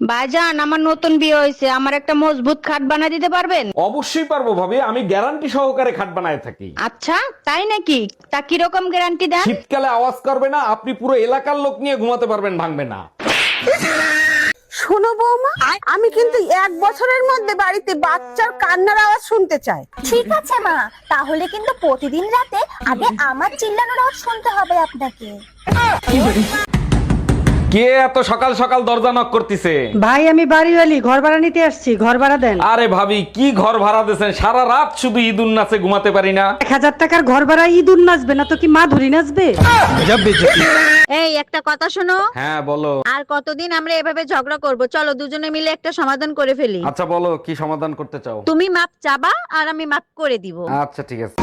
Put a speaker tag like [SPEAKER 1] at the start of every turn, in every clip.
[SPEAKER 1] ভাইজান, আমার নতুন বিয়ে হয়েছে, আমার একটা মজবুত খাট বানিয়ে দিতে পারবেন?
[SPEAKER 2] অবশ্যই পারবো ভাবি, আমি গ্যারান্টি সহকারে খাট বানায় থাকি।
[SPEAKER 1] আচ্ছা, তাই নাকি? তা কিরকম গ্যারান্টি দেন?
[SPEAKER 2] শীতকালে আওয়াজ করবে না, আপনি পুরো এলাকার লোক নিয়ে ঘুমাতে পারবেন, ভাঙবে না।
[SPEAKER 3] শোনো বৌমা, আমি কিন্তু 1 বছরের মধ্যে বাড়িতে বাচ্চার কান্নার আওয়াজ শুনতে চাই।
[SPEAKER 4] ঠিক আছে মা, তাহলে কিন্তু প্রতিদিন রাতে আগে আমার চিল্লানোর আওয়াজ শুনতে হবে আপনাকে।
[SPEAKER 2] কে এত সকাল সকাল দরজা নক করতেছে?
[SPEAKER 5] ভাই আমি বাড়িওয়ালি, ঘর ভাড়া নিতে আসছি, ঘর ভাড়া দেন।
[SPEAKER 2] আরে ভাবি, কি ঘর ভাড়া দিয়েছেন? সারা রাত শুধু ঈদুন নাচে ঘুমাতে পারি না।
[SPEAKER 5] 1000 টাকার ঘর ভাড়া ইঁদুর নাচবে না তো কি মা ধরি নাচবে?
[SPEAKER 1] এই একটা কথা শোনো,
[SPEAKER 2] হ্যাঁ বলো।
[SPEAKER 1] আর কতদিন আমরা এভাবে ঝগড়া করব? চলো দুজনে মিলে একটা সমাধান করে ফেলি।
[SPEAKER 2] আচ্ছা বলো, কি সমাধান করতে চাও?
[SPEAKER 1] তুমি মাপ চাবা আর আমি মাপ করে দিব।
[SPEAKER 2] আচ্ছা ঠিক আছে।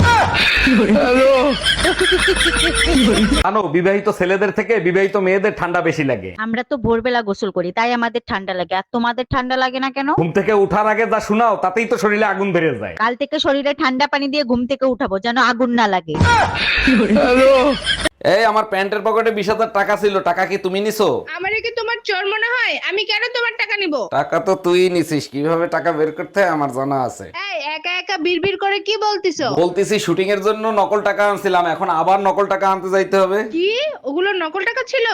[SPEAKER 2] জানো, বিবাহিত ছেলেদের থেকে বিবাহিত মেয়েদের ঠান্ডা বেশি লাগে।
[SPEAKER 1] আমরা তো ভোরবেলা গোসল করি, তাই আমাদের ঠান্ডা লাগে, আর তোমাদের ঠান্ডা লাগে না কেন?
[SPEAKER 2] ঘুম থেকে উঠার আগে যা শোনাও, তাতেই তো শরীরে আগুন ধরে যায়।
[SPEAKER 1] কাল থেকে শরীরে ঠান্ডা পানি দিয়ে ঘুম থেকে উঠাবো, যেন আগুন না লাগে।
[SPEAKER 2] এই আমার প্যান্টের পকেটে 20,000 টাকা ছিল, টাকা কি তুমি নিছো?
[SPEAKER 6] আমারে কি তোমার চোর মনে হয়? আমি কেন তোমার টাকা নিব?
[SPEAKER 2] টাকা তো তুই নিছিস, কিভাবে টাকা বের করতে হয় আমার জানা আছে।
[SPEAKER 6] এই একা একা বিড়বিড় করে কি বলতিছো?
[SPEAKER 2] বলতেছি শুটিং এর জন্য নকল টাকা আনছিলাম, এখন আবার নকল টাকা আনতে যাইতে হবে।
[SPEAKER 6] কি ওগুলো নকল টাকা ছিল?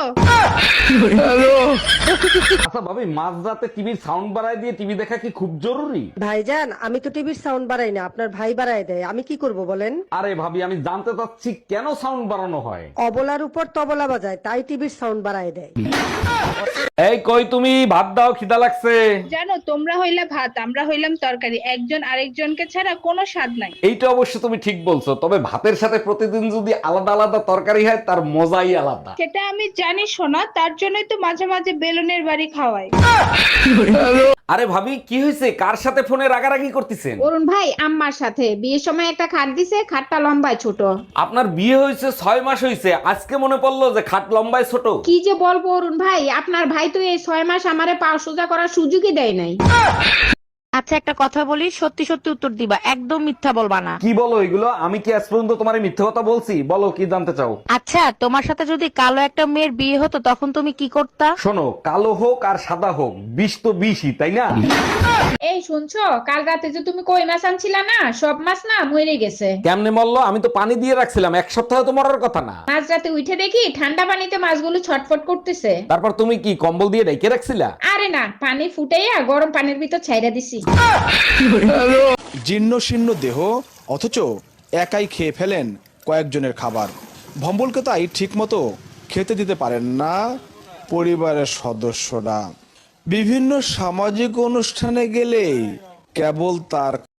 [SPEAKER 2] আচ্ছা ভাবি, মাঝরাতে টিভির সাউন্ড বাড়ায় দিয়ে টিভি দেখা কি খুব জরুরি?
[SPEAKER 5] ভাইজান, আমি তো টিভির সাউন্ড বাড়াই না, আপনার ভাই বাড়ায় দেয়, আমি কি করব বলেন?
[SPEAKER 2] আরে ভাবি, আমি জানতে চাচ্ছি কেন সাউন্ড বাড়ানো হয়।
[SPEAKER 5] অবলার উপর তবলা বাজায়, তাই টিভির সাউন্ড বাড়ায় দেয়।
[SPEAKER 2] এই কই তুমি, ভাত দাও, খিদা লাগছে।
[SPEAKER 6] জানো, তোমরা হইলা ভাত, আমরা হইলাম তরকারি, একজন আরেকজনকে ছাড়া কোনো স্বাদ নাই।
[SPEAKER 2] এইটা অবশ্য তুমি ঠিক বলছো, তবে ভাতের সাথে প্রতিদিন যদি আলাদা আলাদা তরকারি হয়, তার মজাই আলাদা।
[SPEAKER 6] সেটা আমি জানি শোনা, তার জন্যই তো মাঝে মাঝে বেলুনের বাড়ি খাওয়াই।
[SPEAKER 2] আরে ভাবি, কি হয়েছে? কার সাথে ফোনে রাগারাগি করতেছেন?
[SPEAKER 7] অরুণ ভাই আম্মার সাথে বিয়ের সময় একটা খাট দিছে, খাটটা লম্বায় ছোট।
[SPEAKER 2] আপনার বিয়ে হয়েছে 6 মাস হয়েছে, আজকে মনে পড়লো যে খাট লম্বায় ছোট?
[SPEAKER 7] কি যে বলবো অরুণ ভাই, আপনার ভাই তো এই 6 মাস আমারে পা সোজা করার সুযোগই দেয় নাই।
[SPEAKER 1] আচ্ছা একটা কথা বলি, সত্যি সত্যি উত্তর দিবা, একদম মিথ্যা বলবা না।
[SPEAKER 2] কি বলো এগুলো? আমি কি আজ পর্যন্ত তোমার মিথ্যে কথা বলছি? বলো, কি জানতে চাও?
[SPEAKER 1] আচ্ছা, তোমার সাথে যদি কালো একটা মেয়ের বিয়ে হতো, তখন তুমি কি করতা?
[SPEAKER 2] শোনো, কালো হোক আর সাদা হোক, বিষ তো বিষই, তাই না?
[SPEAKER 7] এই শুনছো, কাল রাতে যে তুমি কই মাছ আনছিলা না, সব মাছ না মরে গেছে।
[SPEAKER 2] কেমনে মরলো? আমি তো পানি দিয়ে রাখছিলাম, 1 সপ্তাহ তো মরার কথা না।
[SPEAKER 7] মাঝ রাতে উঠে দেখি ঠান্ডা পানিতে মাছগুলো ছটফট করতেছে।
[SPEAKER 2] তারপর তুমি কি কম্বল দিয়ে ঢেকে রাখছিলা?
[SPEAKER 7] আরে না, পানি ফুটাইয়া গরম পানির ভিতর ছাইরা দিছি।
[SPEAKER 8] জীর্ণ শীর্ণ দেহ, অথচ একাই খেয়ে ফেলেন কয়েকজনের খাবার। ভম্বলকে তাই ঠিক মতো খেতে দিতে পারেন না পরিবারের সদস্যরা। বিভিন্ন সামাজিক অনুষ্ঠানে গেলেই কেবল তার